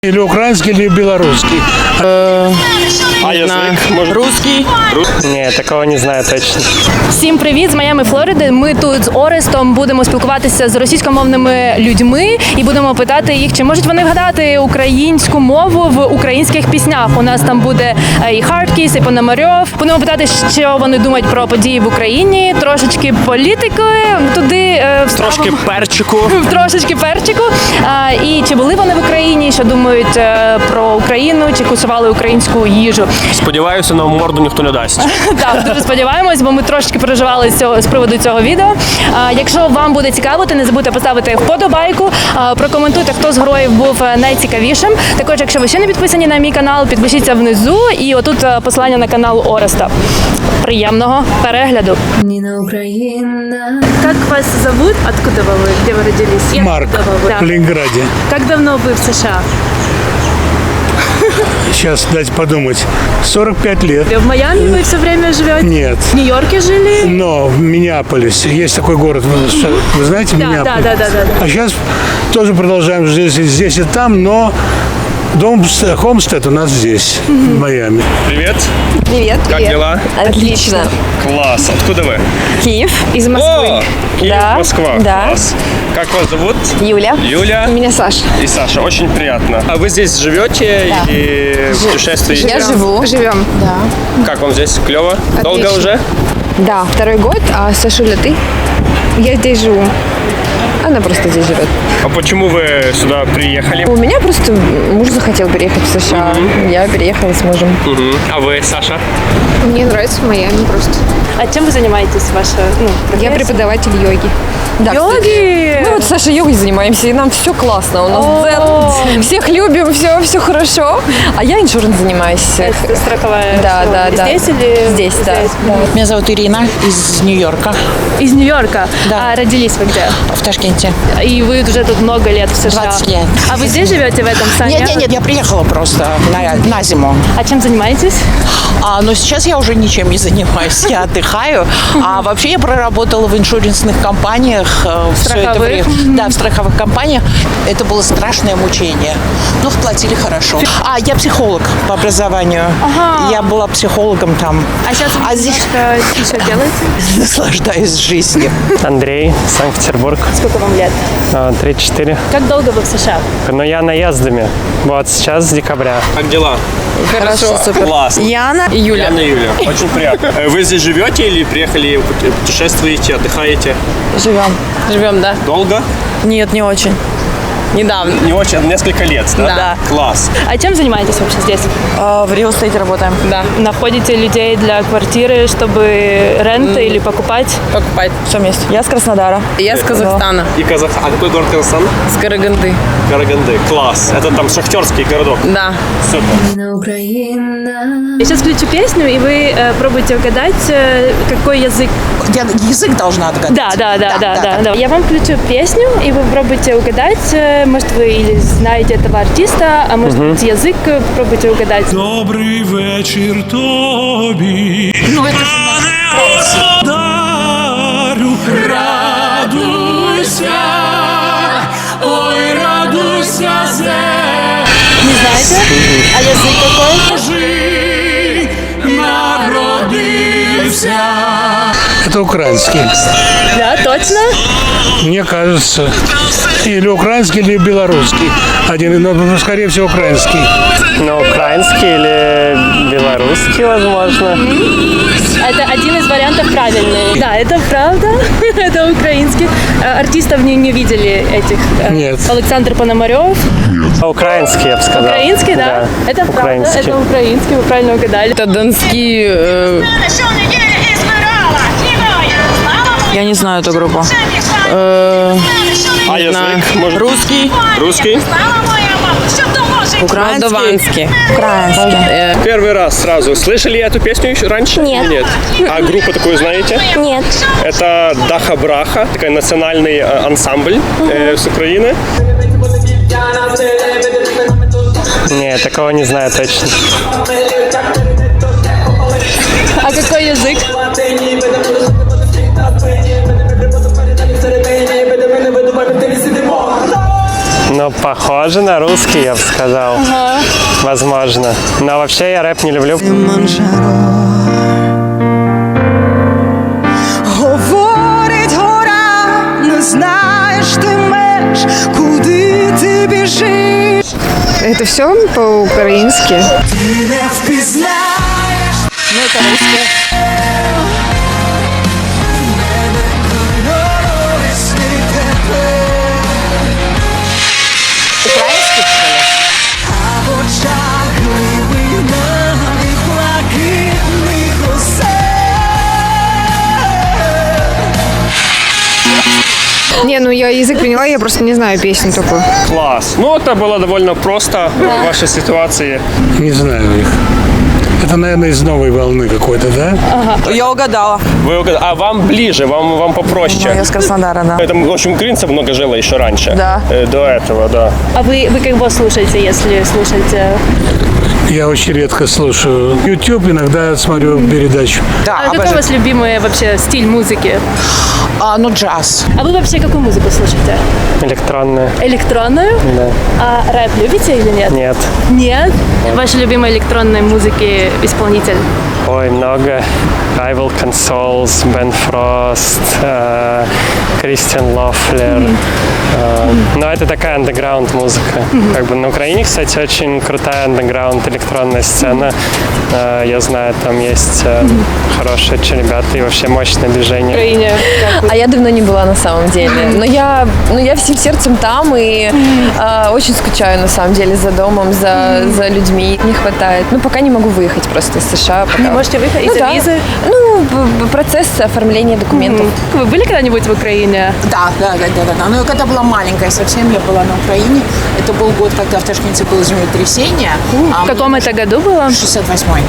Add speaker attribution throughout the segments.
Speaker 1: Или украинский, или белорусский.
Speaker 2: А язик? Может...
Speaker 3: Русский?
Speaker 2: Ні, такого не знаю точно.
Speaker 4: Всім привіт з Майами, Флориди. Ми тут з Орестом будемо спілкуватися з російськомовними людьми і будемо питати їх, чи можуть вони вгадати українську мову в українських піснях. У нас там буде і Хардкіс, і Пономарьов. Будемо питати, що вони думають про події в Україні, трошечки політики, туди
Speaker 2: Трошки перчику.
Speaker 4: трошечки перчику. І чи були вони в Україні, що думають про Україну, чи кусували українську їжу.
Speaker 2: Сподіваюся, нам морду ніхто не дасть.
Speaker 4: Так, дуже сподіваємось, бо ми трошки переживали з приводу цього відео. Якщо вам буде цікаво, то не забудьте поставити вподобайку, прокоментуйте, хто з героїв був найцікавішим. Також, якщо ви ще не підписані на мій канал, підпишіться внизу і отут посилання на канал Ореста. Приємного перегляду.
Speaker 5: Нина Украина.
Speaker 4: Как вас зовут? Откуда вы? Где вы родились?
Speaker 1: Марк, в Ленинграде.
Speaker 4: Как давно вы в США?
Speaker 1: Сейчас дать подумать. 45 лет.
Speaker 4: В Майами вы все время живете?
Speaker 1: Нет.
Speaker 4: В Нью-Йорке жили?
Speaker 1: Но в Миннеаполисе. Есть такой город. Вы знаете Миннеаполис?
Speaker 4: Да.
Speaker 1: А сейчас тоже продолжаем жить здесь и там, но дом Хомстед у нас здесь, в Майами.
Speaker 2: Привет.
Speaker 3: Привет.
Speaker 2: Как дела?
Speaker 3: Отлично.
Speaker 2: Класс. Откуда вы?
Speaker 3: Киев. Из
Speaker 2: О, Киев,
Speaker 3: Да,
Speaker 2: Москва.
Speaker 3: да.
Speaker 2: Класс. Как вас зовут?
Speaker 3: Юля.
Speaker 2: Юля
Speaker 3: Меня Саша.
Speaker 2: и Саша. Очень приятно. А вы здесь живете или путешествуете?
Speaker 3: Я живу.
Speaker 6: Живем. Да.
Speaker 2: Как вам здесь? Клево? Долго уже?
Speaker 6: Да, второй год. А Сашуля, ты? Я здесь живу. Она просто здесь живет.
Speaker 2: А почему вы сюда приехали?
Speaker 6: У меня просто муж захотел переехать в США. Я переехала с мужем.
Speaker 2: Мгм. А вы, Саша?
Speaker 6: Мне нравится Майами просто.
Speaker 4: А чем вы занимаетесь, ваша
Speaker 6: Я преподаватель йоги.
Speaker 3: Да,
Speaker 4: Йоги!
Speaker 3: Мы вот с Сашей йогой занимаемся, и нам все классно. У нас дзен, всех любим, все хорошо. А я иншуренс занимаюсь.
Speaker 4: Это страховая.
Speaker 3: Да,
Speaker 4: всё.
Speaker 3: да, да.
Speaker 4: Здесь или
Speaker 3: Здесь, да.
Speaker 7: Меня зовут Ирина из Нью-Йорка,
Speaker 4: Из Нью-Йорка.
Speaker 7: Да.
Speaker 4: А родились вы где?
Speaker 7: в Ташкенте.
Speaker 4: И вы уже тут много лет в США.
Speaker 7: 20 лет.
Speaker 4: А вы здесь живете в этом Саня?
Speaker 7: Нет, я приехала просто на зиму.
Speaker 4: А чем занимаетесь?
Speaker 7: Но сейчас я уже ничем не занимаюсь, я отдыхаю. А вообще я проработала в иншуренсных компаниях. Все это время. Да, в страховых компаниях. Это было страшное мучение. Но платили хорошо. Я психолог по образованию. Я была психологом там.
Speaker 4: А сейчас вы
Speaker 7: здесь
Speaker 4: что делаете?
Speaker 7: наслаждаюсь жизнью.
Speaker 2: Андрей, Санкт-Петербург.
Speaker 4: Сколько вам лет?
Speaker 2: 34.
Speaker 4: Как долго вы в США?
Speaker 2: Но я наездами. Вот сейчас с декабря. Как дела?
Speaker 3: Хорошо, супер.
Speaker 2: Класс.
Speaker 3: Яна и Юля.
Speaker 2: Яна и Юля. Очень приятно. Вы здесь живете или приехали, путешествуете, отдыхаете?
Speaker 3: Живем, да?
Speaker 2: Долго?
Speaker 3: Нет, не очень. Недавно.
Speaker 2: Не очень, несколько лет, да?
Speaker 3: Да.
Speaker 2: Класс.
Speaker 4: А чем занимаетесь вообще здесь?
Speaker 3: В Real Estate работаем. Да.
Speaker 4: Находите людей для квартиры, чтобы ренты или покупать?
Speaker 3: Покупать. Все вместе. Я с Краснодара. Я с Казахстана.
Speaker 2: И А какой город Казахстан?
Speaker 3: С Караганды.
Speaker 2: Караганды. Класс. Это там шахтерский городок.
Speaker 3: Да.
Speaker 2: Супер.
Speaker 5: Нина Украина.
Speaker 4: Я сейчас включу песню, и вы пробуйте угадать, какой язык.
Speaker 7: Я язык должна отгадать.
Speaker 4: Да. Я вам включу песню, и вы пробуйте угадать. Может, вы или знаете этого артиста, а может быть, язык пробуйте угадать.
Speaker 1: Добрий вечір тобі. Дарю, радуйся, ой, радуйся,
Speaker 4: Не знаете? А язык какой?
Speaker 1: Божий народився. Это украинский.
Speaker 4: Да, точно?
Speaker 1: Мне кажется. Или украинский, или белорусский. Один, но скорее всего украинский.
Speaker 2: Ну, украинский или белорусский, возможно.
Speaker 4: Это один из вариантов правильный. Да, это правда. Это украинский. Артистов не видели этих.
Speaker 1: Нет.
Speaker 4: Александр Пономарев.
Speaker 2: Украинский, я бы сказал.
Speaker 4: Украинский, да? Это правда.
Speaker 2: Украинский.
Speaker 4: Это украинский, вы правильно угадали.
Speaker 3: Это донские... Я не знаю эту группу.
Speaker 2: А язык? Может...
Speaker 3: Русский.
Speaker 2: Русский?
Speaker 3: Украинский. Украинский.
Speaker 2: Первый раз сразу. Слышали эту песню еще раньше?
Speaker 8: Нет.
Speaker 2: Нет. А группу такую знаете?
Speaker 8: Нет.
Speaker 2: Это Даха Браха, такой национальный ансамбль с Украины. Нет, такого не знаю точно.
Speaker 4: А какой язык?
Speaker 8: Ну, похоже на русский, я бы сказал. Возможно. Но вообще я рэп не люблю.
Speaker 9: Говорить гора, не знаєш ти меж, куди ти біжиш.
Speaker 6: Это все по-украински.
Speaker 9: Ти не впізнаєш.
Speaker 7: Ну, это русское. Украинский, что ли?
Speaker 9: А в очах глибинних блакитних усе.
Speaker 6: Не, ну я язык поняла, я просто не знаю песню такую.
Speaker 2: Класс. Ну, это было довольно просто в вашей ситуации.
Speaker 1: Не знаю их. Это, наверное, из новой волны какой-то, да?
Speaker 10: Я угадала.
Speaker 2: Вы а вам ближе, вам попроще.
Speaker 10: Я с Краснодара, да.
Speaker 2: Это, в общем, украинцев много жило еще раньше.
Speaker 10: Да.
Speaker 2: До этого, да.
Speaker 4: А вы кого слушаете, если слушаете?
Speaker 1: Я очень редко слушаю YouTube, иногда смотрю передачу.
Speaker 7: Да,
Speaker 4: А какой у
Speaker 7: обожаю.
Speaker 4: вас любимый вообще стиль музыки?
Speaker 7: Ну, джаз.
Speaker 4: А вы вообще какую музыку слушаете?
Speaker 8: Электронная.
Speaker 4: Электронную?
Speaker 8: Да.
Speaker 4: А рэп любите или нет?
Speaker 8: Нет.
Speaker 4: Нет? Ваши любимые электронной музыки исполнитель?
Speaker 8: Ой, много. Rival Consoles, Ben Frost, Кристиан Лофлер. Но это такая андеграунд музыка. Как бы на Украине, кстати, очень крутая андеграунд электронная сцена. Я знаю, там есть хорошие очень ребята и вообще мощное движение.
Speaker 4: В Украине?
Speaker 3: А я давно не была на самом деле. Но я всем сердцем там и очень скучаю на самом деле за домом, за людьми. Не хватает. Ну, пока не могу выехать просто из США. Пока.
Speaker 4: Не можете выехать
Speaker 3: Ну,
Speaker 4: из-за
Speaker 3: да.
Speaker 4: визы?
Speaker 3: Ну, процесс оформления документов.
Speaker 4: Вы были когда-нибудь в Украине?
Speaker 7: Да. Но я когда была маленькая совсем, я была на Украине. Это был год, когда в Ташкенте было землетрясение.
Speaker 4: В каком это году было?
Speaker 7: 68-й.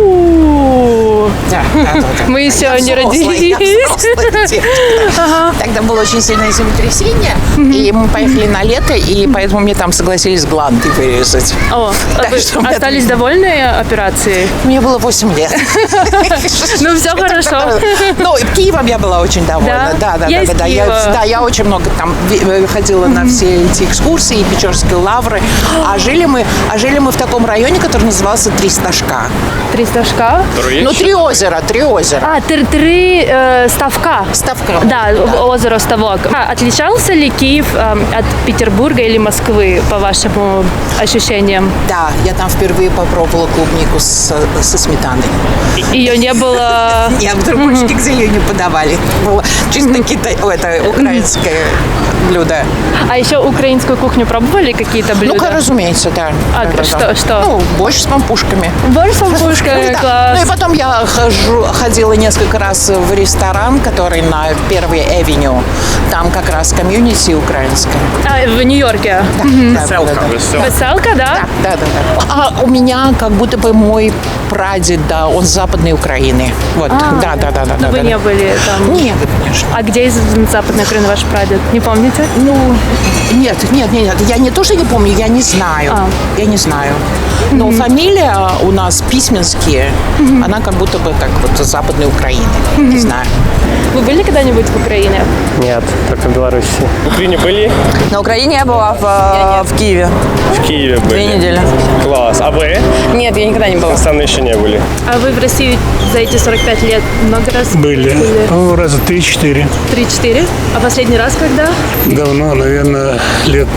Speaker 7: Да.
Speaker 4: Мы еще
Speaker 7: Я
Speaker 4: не
Speaker 7: взрослая,
Speaker 4: родились.
Speaker 7: я взрослая девочка. Тогда было очень сильное землетрясение, и мы поехали на лето, и поэтому мне там согласились гланды вырезать.
Speaker 4: О,
Speaker 7: Так
Speaker 4: вы
Speaker 7: что у меня
Speaker 4: остались довольны операцией?
Speaker 7: Мне было 8 лет.
Speaker 4: Ну, все хорошо.
Speaker 7: Ну, Киевом я была очень довольна.
Speaker 4: Да?
Speaker 7: Да.
Speaker 4: Я из Киева.
Speaker 7: Я очень много там ходила на все эти экскурсии, Печорские лавры. А жили мы в таком районе, который назывался Три Стажка.
Speaker 4: Три стажка?
Speaker 7: Ну, Три озера.
Speaker 4: А, три ставка.
Speaker 7: Ставка.
Speaker 4: Да, озеро Ставок. Отличался ли Киев от Петербурга или Москвы, по вашим ощущениям?
Speaker 7: Да, я там впервые попробовала клубнику со сметаной.
Speaker 4: Ее не было...
Speaker 7: Нет, в другой где ее не подавали. Было чисто украинское блюдо.
Speaker 4: А еще украинскую кухню пробовали, какие-то блюда?
Speaker 7: Ну, разумеется, да.
Speaker 4: А
Speaker 7: Да.
Speaker 4: что?
Speaker 7: Ну, борщ с пампушками.
Speaker 4: Борщ с пампушками,
Speaker 7: Да.
Speaker 4: класс.
Speaker 7: Ну и потом я ходила несколько раз в ресторан, который на Первой Эвеню. Там как раз комьюнити украинское.
Speaker 4: А, в Нью-Йорке?
Speaker 7: Да.
Speaker 4: Веселка, да?
Speaker 7: Да. А у меня как будто бы мой прадед, да, он с Западной Украины. Вот, да.
Speaker 4: Но вы не были там?
Speaker 7: Нет, конечно.
Speaker 4: А где из Западной Украины ваш прадед? Не помните?
Speaker 7: Ну, нет. Я не то, что не помню, я не знаю. Я не знаю. Но фамилия у нас Письменские, она как будто бы как вот с Западной Украины. Не знаю.
Speaker 4: Вы были когда-нибудь в Украине?
Speaker 8: Нет, только в Беларуси.
Speaker 2: В Украине были?
Speaker 10: На Украине я была в Киеве.
Speaker 2: В Киеве были.
Speaker 10: 2 недели.
Speaker 2: Класс. А вы?
Speaker 10: Нет, я никогда не была.
Speaker 2: Сами еще не были.
Speaker 4: А вы в России за эти 45 лет много раз
Speaker 1: Были. Ну, раза 3-4.
Speaker 4: 3-4? А последний раз когда?
Speaker 1: Давно, наверное, лет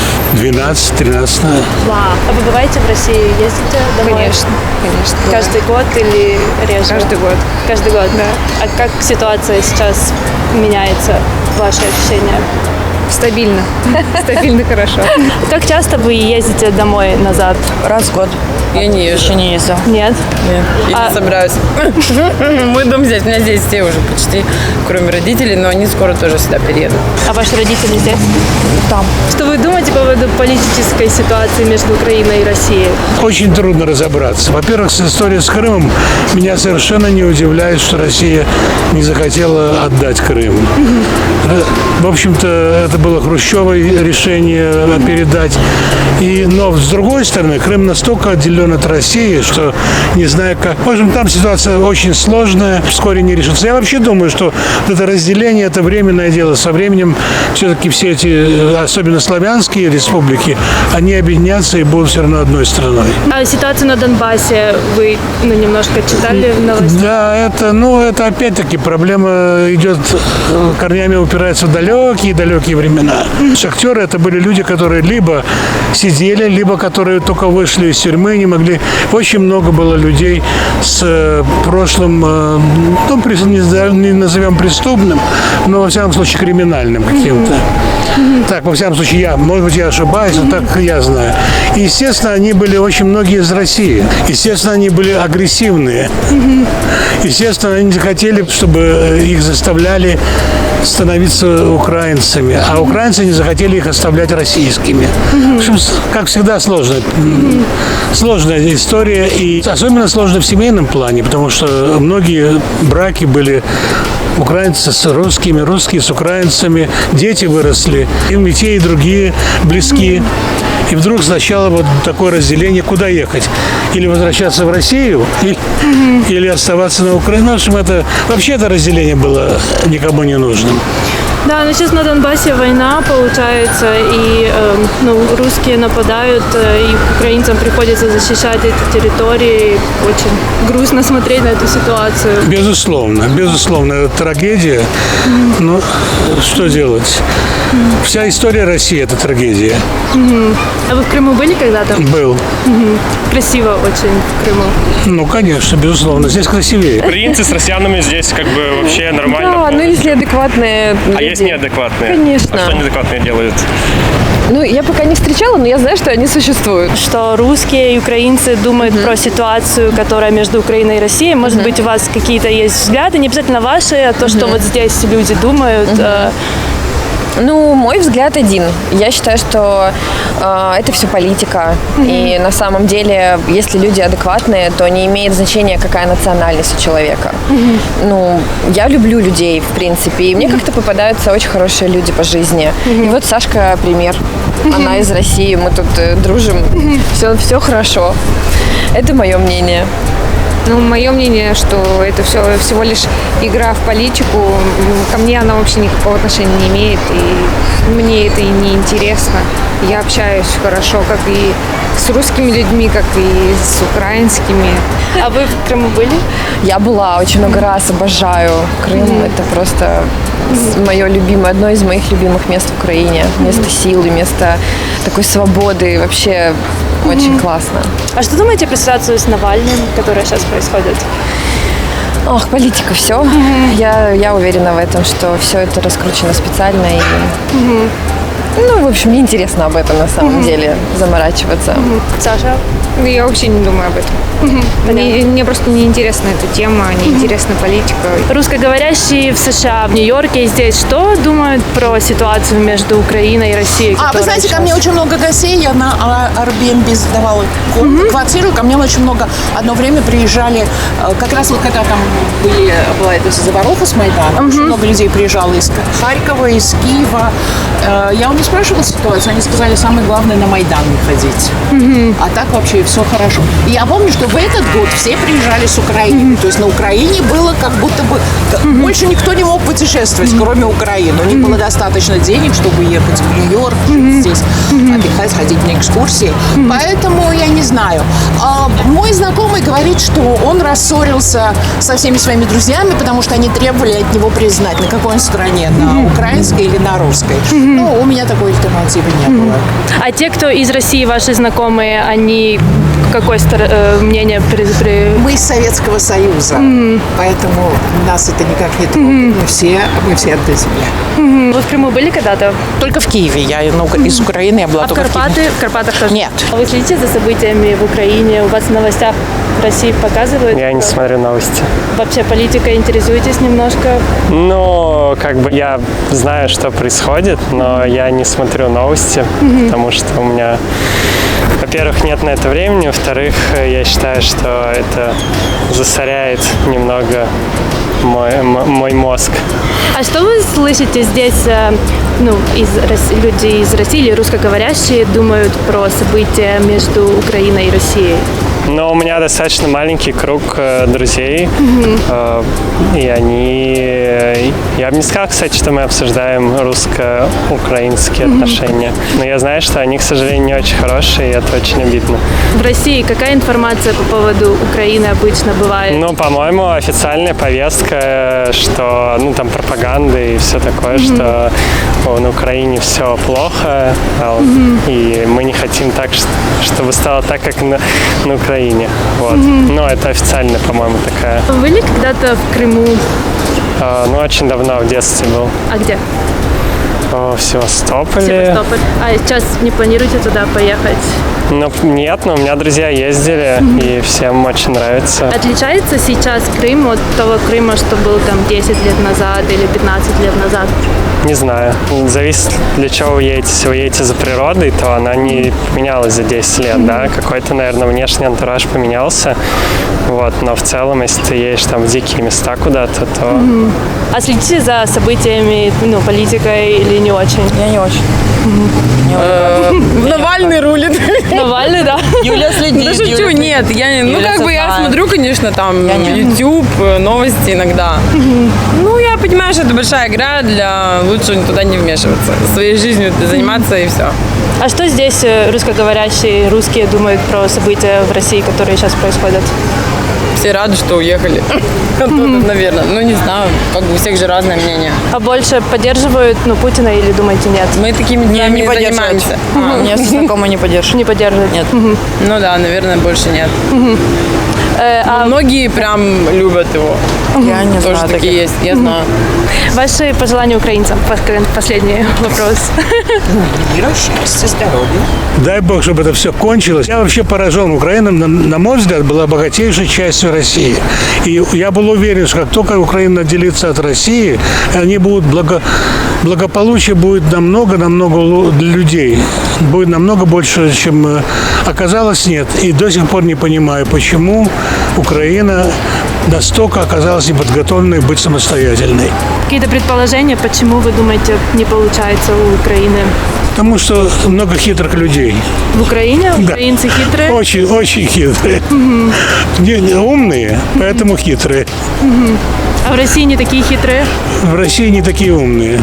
Speaker 1: 12-13.
Speaker 4: Вау. А вы бываете в России? Ездите домой?
Speaker 6: Конечно.
Speaker 4: Каждый год или реже?
Speaker 6: Каждый год.
Speaker 4: Каждый год? Да. А как ситуация сейчас меняется? Ваши ощущения?
Speaker 6: Стабильно. Стабильно хорошо.
Speaker 4: Как часто вы ездите домой назад?
Speaker 10: Раз в год. Я не езжу. Еще не ездила.
Speaker 4: Нет?
Speaker 10: Я не собираюсь. Мой дом здесь, у меня здесь все уже почти, кроме родителей, но они скоро тоже сюда переедут.
Speaker 4: А ваши родители здесь?
Speaker 10: Там.
Speaker 4: Что вы думаете по поводу политической ситуации между Украиной и Россией?
Speaker 1: Очень трудно разобраться. Во-первых, с историей с Крымом меня совершенно не удивляет, что Россия не захотела отдать Крым. В общем-то, это это было хрущевое решение передать. Но с другой стороны, Крым настолько отделен от России, что не знаю как. В общем, там ситуация очень сложная, вскоре не решится. Я вообще думаю, что вот это разделение – это временное дело. Со временем все-таки все эти, особенно славянские республики, они объединятся и будут все равно одной страной.
Speaker 4: А ситуацию на Донбассе вы немножко читали в новостях?
Speaker 1: Да, это опять-таки проблема идет, корнями упирается в далекие времена. Шахтеры – это были люди, которые либо сидели, либо которые только вышли из тюрьмы, не могли. Очень много было людей с прошлым, не назовем преступным, но, во всяком случае, криминальным каким-то. Так, во всяком случае, может быть, я ошибаюсь, но так я знаю. И, естественно, они были очень многие из России. Естественно, они были агрессивные. Естественно, они не хотели, чтобы их заставляли становиться украинцами, а украинцы не захотели их оставлять российскими. В общем, как всегда, сложная история, и особенно сложно в семейном плане, потому что многие браки были украинцы с русскими, русские с украинцами, дети выросли, им и те, и другие близки. И вдруг сначала вот такое разделение, куда ехать? Или возвращаться в Россию, или оставаться на Украине. В общем, вообще это разделение было никому не нужным.
Speaker 4: Да, но сейчас на Донбассе война, получается, и русские нападают, и украинцам приходится защищать эти территории. Очень грустно смотреть на эту ситуацию. Безусловно, это трагедия. Но что делать? Вся история России – это трагедия. А вы в Крыму были когда-то?
Speaker 1: Был.
Speaker 4: Красиво очень в Крыму.
Speaker 1: Ну, конечно, безусловно. Здесь красивее.
Speaker 8: Украинцы с россиянами здесь как бы вообще нормально.
Speaker 3: Да, если адекватные люди.
Speaker 8: А есть неадекватные?
Speaker 3: Конечно.
Speaker 8: А что неадекватные делают?
Speaker 3: Я пока не встречала, но я знаю, что они существуют.
Speaker 4: Что русские и украинцы думают про ситуацию, которая между Украиной и Россией. Может быть, у вас какие-то есть взгляды, не обязательно ваши, а то, что вот здесь люди думают.
Speaker 3: Мой взгляд один. Я считаю, что это все политика. И на самом деле, если люди адекватные, то не имеет значения, какая национальность у человека. Я люблю людей, в принципе. И мне как-то попадаются очень хорошие люди по жизни. И вот Сашка пример. Она из России, мы тут дружим. Все хорошо. Это мое мнение.
Speaker 6: Мое мнение, что это всего лишь игра в политику. Ко мне она вообще никакого отношения не имеет, и мне это и не интересно. Я общаюсь хорошо как и с русскими людьми, как и с украинскими.
Speaker 4: А вы в Крыму были?
Speaker 3: Я была очень много раз, обожаю Крым. Это просто одно из моих любимых мест в Украине. Место силы, место такой свободы. Вообще очень классно.
Speaker 4: А что думаете про ситуацию с Навальным, которая сейчас происходит?
Speaker 3: Политика, все. Я уверена в этом, что все это раскручено специально. В общем, неинтересно об этом на самом деле заморачиваться.
Speaker 4: Саша?
Speaker 6: Я вообще не думаю об этом. Мне просто не интересна эта тема, не интересна политика.
Speaker 4: Русскоговорящие в США, в Нью-Йорке и здесь что думают про ситуацию между Украиной и Россией?
Speaker 7: Вы знаете, ко мне очень много гостей, я на Airbnb сдавала квартиру, ко мне очень много, одно время приезжали, как раз вот когда там была эта заваруха с Майданом, очень много людей приезжало из Харькова, из Киева. Я у них спрашивала ситуацию, они сказали, самое главное на Майдан не ходить. А так вообще все хорошо. И я помню, что в этот год все приезжали с Украины. То есть на Украине было как будто бы... Больше никто не мог путешествовать, кроме Украины. У них было достаточно денег, чтобы ехать в Нью-Йорк, жить здесь, отдыхать, ходить на экскурсии. Поэтому я не знаю. Мой знакомый говорит, что он рассорился со всеми своими друзьями, потому что они требовали от него признать, на какой он стороне, на украинской или на русской. У меня такой альтернативы не было.
Speaker 4: А те, кто из России, ваши знакомые, они какое мнение
Speaker 7: Мы из Советского Союза, поэтому нас это никак не трогает. Мы все одна земля.
Speaker 4: Вы в Крыму были когда-то?
Speaker 7: Только в Киеве. Я из Украины, я была
Speaker 4: а
Speaker 7: только
Speaker 4: в Киеве. В Карпатах тоже?
Speaker 7: Нет.
Speaker 4: А вы следите за событиями в Украине? У вас в новостях в России показывают?
Speaker 8: Я не смотрю новости.
Speaker 4: Вообще политикой интересуетесь немножко?
Speaker 8: Я знаю, что происходит, но я не смотрю новости, потому что у меня во-первых, нет на это времени, во-вторых, я считаю, что это засоряет немного мой мозг.
Speaker 4: А что вы слышите здесь, люди из России или русскоговорящие думают про события между Украиной и Россией?
Speaker 8: Но у меня достаточно маленький круг друзей, и я бы не сказал, кстати, что мы обсуждаем русско-украинские отношения, но я знаю, что они, к сожалению, не очень хорошие, и это очень обидно.
Speaker 4: В России какая информация по поводу Украины обычно бывает?
Speaker 8: Ну, по-моему, официальная повестка, что, там пропаганда и все такое, что на Украине все плохо, и мы не хотим так, чтобы стало так, как на Украине. Вот. Но это официально, по-моему, такая.
Speaker 4: Вы были когда-то в Крыму?
Speaker 8: Очень давно, в детстве был.
Speaker 4: А где?
Speaker 8: В Севастополе.
Speaker 4: Севастополь. А сейчас не планируете туда поехать?
Speaker 8: Нет, но у меня друзья ездили, и всем очень нравится.
Speaker 4: Отличается сейчас Крым от того Крыма, что был там 10 лет назад или 15 лет назад?
Speaker 8: Не знаю. Зависит, для чего вы едете. Если вы едете за природой, то она не менялась за 10 лет, да. Какой-то, наверное, внешний антураж поменялся. Вот. Но в целом, если ты едешь там в дикие места куда-то, то...
Speaker 4: А следите за событиями, политикой или не очень?
Speaker 10: Я не очень. Навальный рулит.
Speaker 4: Навальный, да?
Speaker 10: Юля следит.
Speaker 6: Да шучу, нет. Я смотрю, конечно, там YouTube, новости иногда. Я понимаю, что это большая игра, лучше туда не вмешиваться. Своей жизнью заниматься и все.
Speaker 4: А что здесь русскоговорящие русские думают про события в России, которые сейчас происходят?
Speaker 10: Все рады, что уехали. Наверное. Не знаю, у всех же разное мнение.
Speaker 4: А больше поддерживают Путина или думаете нет?
Speaker 10: Мы такими делами не занимаемся.
Speaker 6: У меня знакомые не поддерживают.
Speaker 4: Не поддерживают?
Speaker 10: Нет. Да, наверное, больше нет.
Speaker 4: А
Speaker 10: многие прям любят его.
Speaker 6: Я не знаю.
Speaker 10: Тоже такие есть, я знаю.
Speaker 4: Ваши пожелания украинцам? Последний вопрос.
Speaker 7: Мира, счастья, здоровья.
Speaker 1: Дай бог, чтобы это все кончилось. Я вообще поражен. Украина, на мой взгляд, была богатейшей частью России. И я был уверен, что как только Украина отделится от России, они будут благополучие будет намного для людей. Будет намного больше, чем оказалось, нет. И до сих пор не понимаю, почему Украина настолько оказалась неподготовленной быть самостоятельной.
Speaker 4: Какие-то предположения, почему вы думаете, не получается у Украины?
Speaker 1: Потому что много хитрых людей.
Speaker 4: В Украине?
Speaker 1: Да.
Speaker 4: Украинцы хитрые?
Speaker 1: Очень, очень хитрые. Умные, поэтому хитрые.
Speaker 4: А в России не такие хитрые?
Speaker 1: В России не такие умные.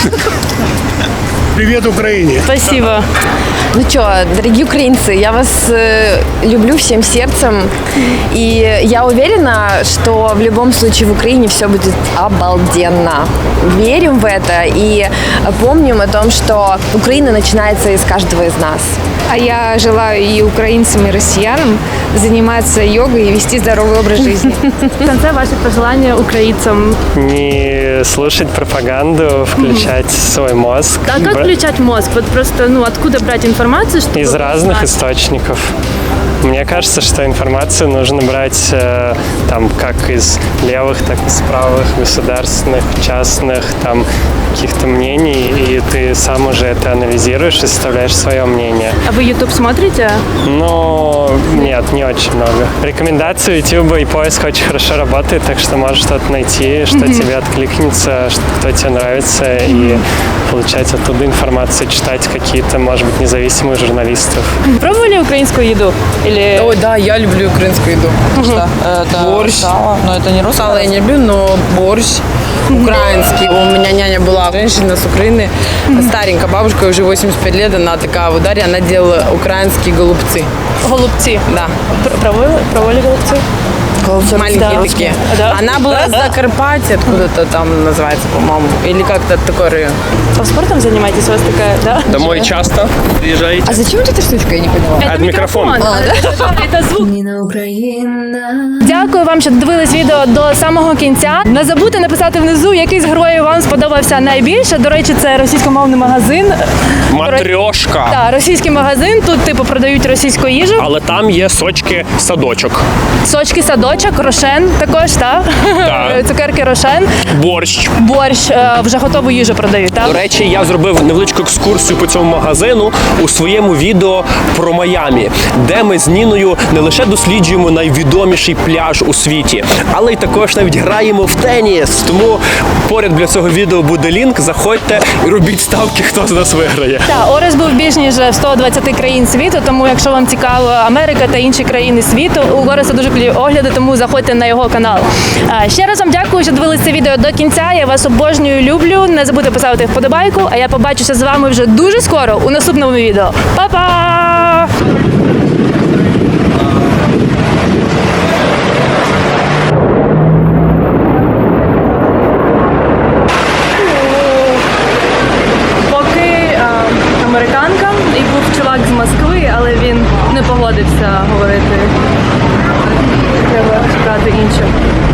Speaker 1: Привет Украине!
Speaker 4: Спасибо.
Speaker 3: Ну что, дорогие украинцы, я вас люблю всем сердцем. И я уверена, что в любом случае в Украине все будет обалденно. Верим в это и помним о том, что Украина начинается из каждого из нас.
Speaker 6: А я желаю и украинцам, и россиянам заниматься йогой и вести здоровый образ жизни.
Speaker 4: В конце ваши пожелания украинцам?
Speaker 8: Не слушать пропаганду, включать свой мозг.
Speaker 4: А как включать мозг? Вот просто, откуда брать информацию? Чтобы
Speaker 8: из разных источников. Мне кажется, что информацию нужно брать как из левых, так и из правых, государственных, частных, каких-то мнений, и ты сам уже это анализируешь и составляешь свое мнение.
Speaker 4: А вы YouTube смотрите?
Speaker 8: Нет, не очень много. Рекомендации YouTube и поиск очень хорошо работает, так что можешь что-то найти, что тебе откликнется, что тебе нравится, и получать оттуда информацию, читать какие-то, может быть, независимых журналистов.
Speaker 4: Пробовали украинскую еду? Или...
Speaker 10: Ой, да, я люблю украинскую еду.
Speaker 7: Что? Это
Speaker 10: борщ.
Speaker 7: Сало. Но это не русское.
Speaker 10: Сало я не люблю, но борщ украинский. У меня няня была женщина с Украины, старенькая бабушка, уже 85 лет, она такая в ударе, она делала украинские голубцы.
Speaker 4: Голубцы?
Speaker 10: Да.
Speaker 4: Пробовали голубцы?
Speaker 10: Маленькие такие.
Speaker 4: Да.
Speaker 10: Она была с Закарпатья, откуда-то там называется, по-моему, или как-то такой район.
Speaker 4: А спортом занимаетесь? У вас такая, да?
Speaker 2: Домой часто приезжаете?
Speaker 3: А зачем вот эта штучка, я не поняла?
Speaker 4: Это
Speaker 2: мікрофон.
Speaker 4: Це звук.
Speaker 5: Ніна Україна.
Speaker 4: Дякую вам, що додивились відео до самого кінця. Не забудьте написати внизу, який з героїв вам сподобався найбільше. До речі, це російськомовний магазин.
Speaker 2: Матрьошка.
Speaker 4: Так, російський магазин. Тут, продають російську їжу.
Speaker 2: Але там є сочки-садочок.
Speaker 4: Сочки-садочок. цукерочок, рошен також, так?
Speaker 2: Так.
Speaker 4: Цукерки рошен. Борщ, вже готову їжу продають, так?
Speaker 2: До речі, я зробив невеличку екскурсію по цьому магазину у своєму відео про Майамі, де ми з Ніною не лише досліджуємо найвідоміший пляж у світі, але й також навіть граємо в теніс. Тому поряд для цього відео буде лінк, заходьте і робіть ставки, хто з нас виграє.
Speaker 4: Так, Орес був більш ніж в 120 країн світу, тому якщо вам цікаво Америка та інші країни світу, у Ореса дуже кльові огляди, тому заходьте на його канал. Ще раз вам дякую, що дивилися це відео до кінця. Я вас обожнюю, люблю. Не забудьте поставити вподобайку, а я побачуся з вами вже дуже скоро у наступному відео. Па-па! Американка, і був чувак з Москви, але він не погодився говорити. Треба шукати іншу.